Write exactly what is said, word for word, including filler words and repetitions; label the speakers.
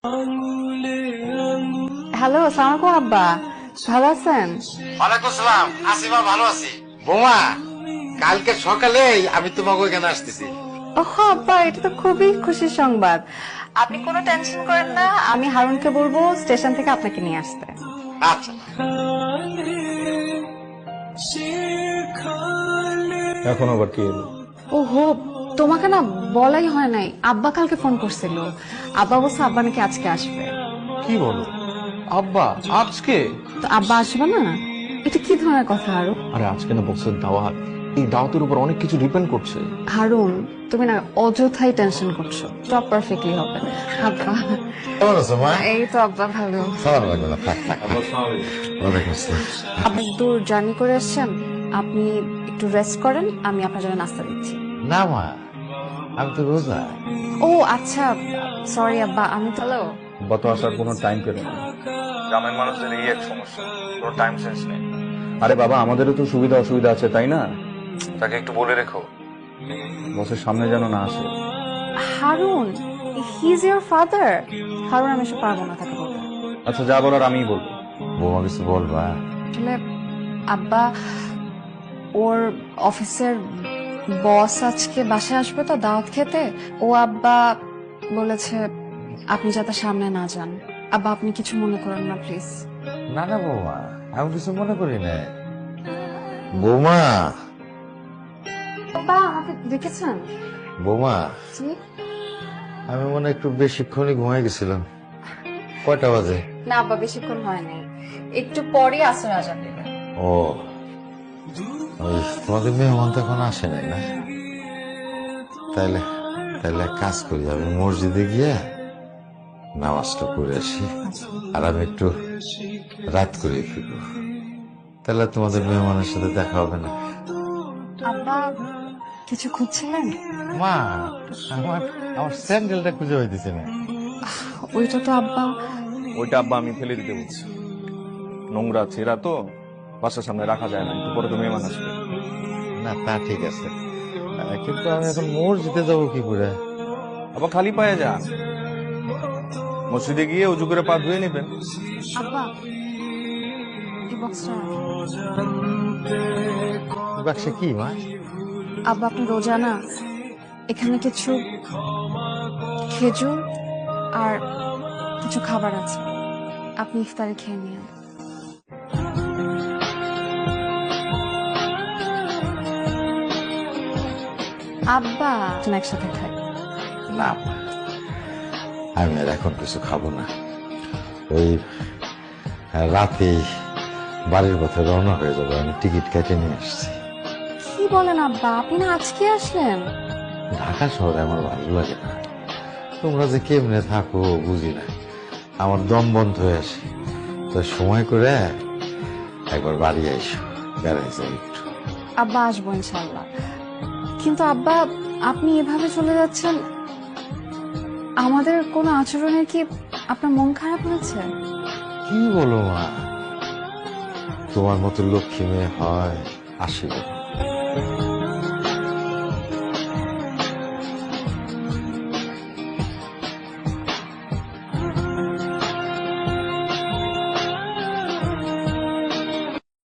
Speaker 1: Hello, আসসালামু আলাইকুম আব্বা, ভালো আছেন?
Speaker 2: ওয়ালাইকুম সালাম। আসিমা, ভালো আছি। বৌমা, কালকে সকালে আমি তোমাকে ওইখানে আসতেছি।
Speaker 1: ওহ আব্বা, এটা তো খুবই খুশির সংবাদ। আপনি কোনো টেনশন করেন না, আমি হারুনকে বলবো স্টেশন থেকে আপনাকে নিয়ে আসতে।
Speaker 2: আচ্ছা।
Speaker 3: এখন আবার কি এলো?
Speaker 1: ওহো, তোমাকে না বলাই হয় নাই, আব্বা কালকে ফোন করছিল। আব্বা বলছে আব্বা নাকি আজকে আসবে।
Speaker 3: কি বলো? আব্বা আজকে?
Speaker 1: তো আব্বা আসবে না? এটা কি ধরনের কথা হারুন?
Speaker 3: আরে আজকে না বসের দাওয়াত, এই দাওয়াতের উপর অনেক কিছু ডিপেন্ড করছে।
Speaker 1: হারুন, তুমি না অযথাই টেনশন করছো, সব পারফেক্টলি হবে। আব্বা,
Speaker 2: কেমন আছো মা?
Speaker 1: এই তো আব্বা ভালো।
Speaker 2: সালাম লাগবে না, থাক থাক। ওয়ালাইকুম আসসালাম।
Speaker 1: আপনি দূর জার্নি করে এসেছেন, আপনি একটু রেস্ট করেন, আমি আপনার জন্য নাস্তা দিচ্ছি।
Speaker 2: না মা, আমি তো রোজা।
Speaker 1: ও আচ্ছা, সরি আব্বা, আমি তো হ্যালো।
Speaker 3: গত আসার কোনো টাইম পেল না। গ্রামের মানুষদের এই এক সমস্যা, কোনো টাইম সেন্স নেই। আরে বাবা, আমাদেরও তো সুবিধা অসুবিধা আছে, তাই না? তাকে একটু বলে রেখো, বসের সামনে যেন না আসে।
Speaker 1: Harun, he is your father. Harun, আমি এসব পারবো না তাকে বলতে।
Speaker 3: আচ্ছা, যা বলার আমিই বলবো।
Speaker 2: বৌমা কিছু বলবা?
Speaker 1: আসলে আব্বা, ওর অফিসের বস আজকে বাসায় আসবে তো দাওয়াত খেতে। ও আব্বা বলেছে আপনি যাতে সামনে না যান। আব্বা, আপনি কিছু মনে করেন না প্লিজ।
Speaker 2: না না বৌমা, আমি কিছু মনে করি না। বৌমা,
Speaker 1: আব্বা আমাকে দেখেছেন?
Speaker 2: বৌমা,
Speaker 1: জি?
Speaker 2: আমি মনে হয় একটু বেশিক্ষণই ঘুমাই গেছিলাম। কয়টা বাজে?
Speaker 1: না আব্বা, বেশিক্ষণ হয়নি, একটু পরে আসর আজান দেবে।
Speaker 2: ও, ওই তোমাদের মেহমান তো এখন আসে নাই না? তাইলে তাইলে এক কাজ করি, আমি মসজিদে গিয়ে নামাজটা পড়ে আসি, আর আমি একটু রাত করে ফিরবো। তাহলে তোমাদের মেহমানের সাথে দেখা হবে না।
Speaker 1: আব্বা, কিছু খুঁজছিলেন?
Speaker 2: মা, আমার আমার স্যান্ডেলটা খুঁজে হইতেছে না।
Speaker 1: ওইটা তো আব্বা।
Speaker 3: ওইটা আব্বা আমি ফেলে দিতে বলছি, নোংরা ছেঁড়া তো বাসার সামনে রাখা যায় না, একটু পরে তো মেহমান আসবে।
Speaker 2: না তা ঠিক আছে, আহ, কিন্তু আমি এখন মসজিদে যাবো কি করে?
Speaker 3: আবার খালি পায়ে যান, মসজিদে গিয়ে উজু করে পা ধুয়ে নেবেন।
Speaker 1: আব্বা, এই বক্সটা রাখেন।
Speaker 2: বাক্সে কি মা?
Speaker 1: আব্বা, আপনি রোজা না, এখানে কিছু খেজুর আর কিছু খাবার আছে, আপনি ইফতারে খেয়ে নিন। আব্বা, তুমি একসাথে খাই।
Speaker 2: না মা, আমি আর এখন কিছু খাবো না। ওই রাতেই বাড়ির পথে রওনা হয়ে যাবো, আমি টিকিট কেটে নিয়ে আসছি।
Speaker 1: কি বলেন আব্বা, আপনি না আজকে আসলেন?
Speaker 2: ঢাকা শহরে আমার ভালো লাগে না, তোমরা যে কেমনে থাকো বুঝি না, আমার দম বন্ধ হয়ে আসে। তো সময় করে একবার বাড়ি আইসো, বেড়াই যাই একটু।
Speaker 1: আব্বা, আসবো ইনশাল্লাহ। কিন্তু আব্বা, আপনি এভাবে চলে যাচ্ছেন, আমাদের কোনো আচরণে কি আপনার মন খারাপ হয়েছে?
Speaker 2: কি বলো মা, তোমার মতো লক্ষ্মী মেয়ে হয় আশীর্বাদ।